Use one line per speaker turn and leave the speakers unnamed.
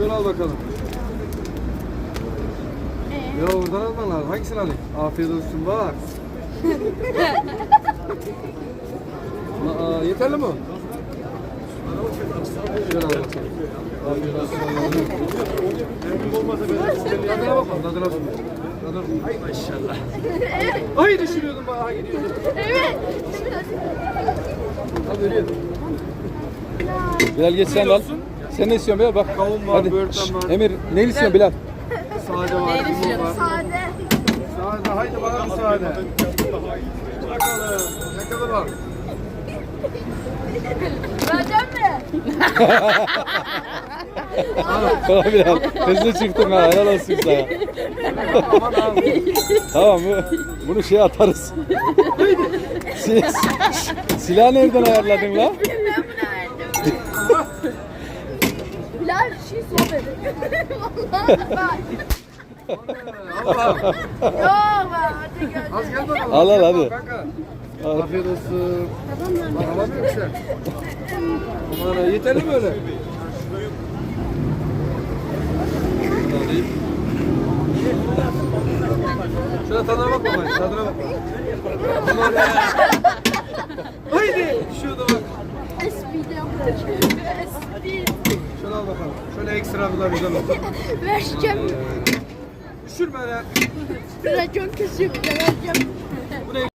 Şunu al bakalım. Ya oradan alman lazım. Hangisini alayım? Afiyet olsun bak. Yeterli mi? Şöyle al bakalım. Afiyet olsun. Tadına bakalım. Tadına bakalım. Ay maşallah. Ay düşürüyordum bana gidiyordum.
Evet.
Hadi ölüyordum.
Bilal geç sen al. Sen ne istiyorsun Bilal? Bak.
Kavun var,
Hadi.
böğürtlen var.
Emir ne istiyorsun Bilal?
Sade var, limon var.
Sade.
Sade, haydi bana bir sade. Bakalım, ne kadar var?
Vereceğim mi?
Tamam Bilal. Hızlı çıktın ha. Helal olsun sana.
Aman abi.
Tamam bunu şey atarız. Silahı nereden ayarladın lan?
Ben bunu verdim. Bilal şey sohbet. Vallahi bak.
Allah.
Yok be. Hadi gel.
Az gel bakalım.
Al,
az
al,
gel
hadi.
kanka. Afiyet olsun. Bak alamıyor musun sen? Aman yeterli mi öyle? Alayım. Şuna tadına bak babayı, tadına bak. Aman ya. Haydi. Şurada bak.
Espri yapıyor. Espri.
Şunu al bakalım. Şöyle ekstra bir güzel olsun.
Vereceğim.
Düşürme lan.
Racon kesiyor bir de vereceğim.
Bu ne?